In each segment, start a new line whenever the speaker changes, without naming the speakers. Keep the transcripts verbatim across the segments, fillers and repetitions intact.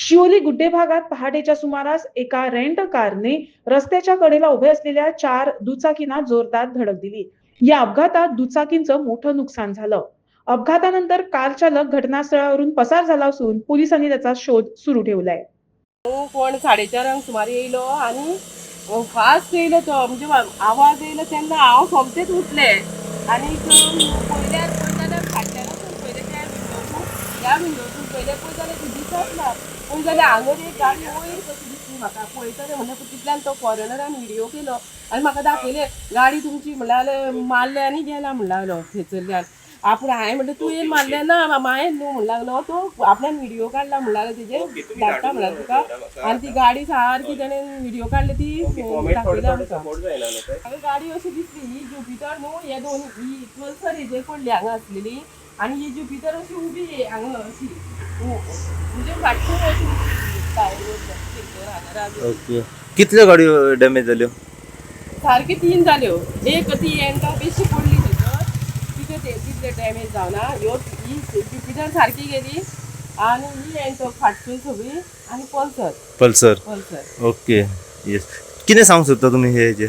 शिवोली गुड्डे भागात पहाटेच्या सुमारास एका रेंट कारने रस्त्याच्या कडेला उभे असलेल्या चार दुचाकींना जोरदार धडक दिली. या अपघातात दुचाकींचं मोठं नुकसान झालं. अपघातानंतर कार चालक घटनास्थळावरून पसार झाला असून पोलिसांनी त्याचा शोध सुरू ठेवलाय.
तो कोण साडेचारांक सुमार येयलो आणि फास्ट येयलो तो, म्हणजे आवाज येयलो तेन्ना हांव सोमतेच उठले आणि पयल्यार पळय जाल्यार फाटल्यानसून पयले त्या विंडोसून ह्या विंडोसून पयले पळय जाल्यार ती दिसत ना. पळय जाल्यार हांगर एक गाडी वयर कशी दिसली म्हाका. पळयतले म्हणल्यार तितल्यान तो फॉरेनरान व्हिडिओ केलो आनी म्हाका दाखयले गाडी तुमची म्हणल्यार मारले आनी गेला म्हणलालो थंयसरल्यान. आपूण हांवें म्हणलें तूं येवन मारलें ना मायेन न्हू म्हणूंक लागलो. तो आपल्यान व्हिडिओ काडला म्हणलालो तेजे धाडटा म्हणल्यार तुका. आनी ती गाडी सारकी तेणेन व्हिडिओ काडली ती दाखयली आमकां. हांवें गाडी अशी दिसली ही ज्युपिटर न्हू, हे दोन ही पल्सर हेजेर पडली हांगा आसलेली आनी ही ज्युपिटर अशी उबी हांगा अशी म्हणजे फाटसून अशी.
ओके, कितल्यो गाडयो डॅमेज जाल्यो?
सारकी तीन जाल्यो. एक ती एंटा बेशी पडली थंयसर, तिथे ते तितले डॅमेज जावना. ह्यो ही ज्युपिटर सारकी गेली आनी ही एंटो फाटसून सगळी आनी Pulsar
Pulsar
Pulsar
okay yes. कितें सांगूंक सोदता तुमी हे हेजेर?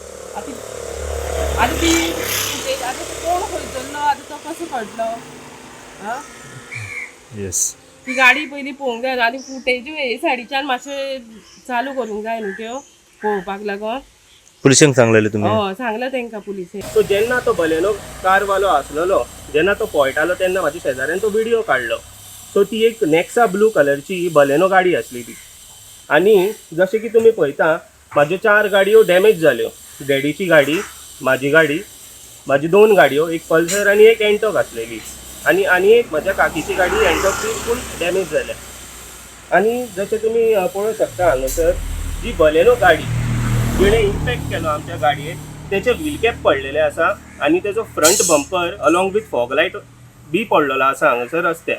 आतां आतां ती आतां तो कोण खंयसरलो आतां तो कसो कळटलो? आं
येस,
ती गाडी पयलीं पळोवंक जाय आनी फुटेज हे सायडीच्यान मातशें चालू करूंक जाय न्हू त्यो पळोवपाक लागोन.
पुलिसांक सांगलेलें तुमी?
हय सांगला तांकां पुलिशेन.
सो जेन्ना तो बलेनो कारवालो आसलेलो जेन्ना तो पळयतालो तेन्ना म्हाज्या शेजाऱ्यान तो व्हिडिओ काडलो. सो ती एक नेक्सा ब्लू कलरची बलेनो गाडी आसली ती. आनी जशें की तुमी पळयता म्हाज्यो चार गाडयो डॅमेज जाल्यो. डॅडीची गाडी, म्हाजी गाडी, म्हाजी दोन गाडयो, एक पल्सर आनी एक एंटॉक आसलेली आनी आनी एक म्हाज्या काकीची गाडी एंटॉक फूल डॅमेज जाल्या. आनी जशें तुमी पळोवंक शकता हांगासर जी बलेनो गाडी जिणे इम्पॅक्ट केलो आमच्या गाडयेक तेचे व्हील कॅप पडलेले आसा आनी तेजो front bumper along with fog light बी पडलेलो आसा हांगासर रस्त्यार.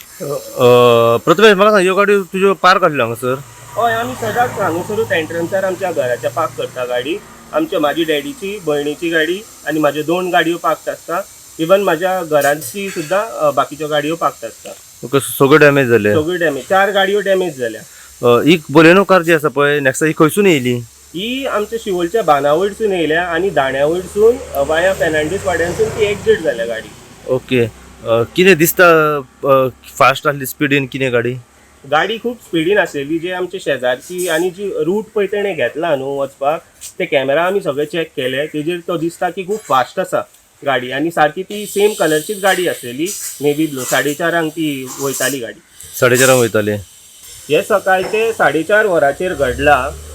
प्रथमेश म्हाका सांग, ह्यो गाडयो तुज्यो पार्क आसल्यो हांगासर?
हय, आमी सदांच हांगासरूच एंट्रन्सार आमच्या घराच्या पार्क करता गाडी. आमच्या म्हाजी डॅडीची, भयणीची गाडी आनी म्हाज्यो दोन गाडयो पार्क आसता. इवन म्हाज्या घरांची सुद्दां बाकीच्यो गाडयो पार्क आसता.
ओके, सगळ्यो डॅमेज जाले?
सगळ्यो डॅमेज, चार गाडयो डॅमेज जाल्या.
ही बलेनो कार जी आसा पळय नेक्सा, ही खंयसून येयली?
ही आमच्या शिवोलच्या बाना वयरसून येयल्या आनी दाण्या वयरसून वाया फेर्नांडीस वाड्यानसून ती एक्झीट जाल्या गाडी.
ओके, कितें दिसता फास्ट आसली स्पिडीन कितें गाडी?
गाडी खूब स्पिडीन आसलेली. जे आमचे शेजारची आनी जी रूट पळय तेणें घेतला न्हू वचपाक, ते कॅमेरा आमी सगळे चॅक केले. तेजेर तो दिसता की खूब फास्ट आसा गाडी आनी सारकी ती सेम कलरचीच गाडी आसलेली, नेवी ब्लू. साडे चारांक ती वयताली गाडी.
साडे चारांक वयताली?
हे सकाळचे साडे चार वरांचेर घडला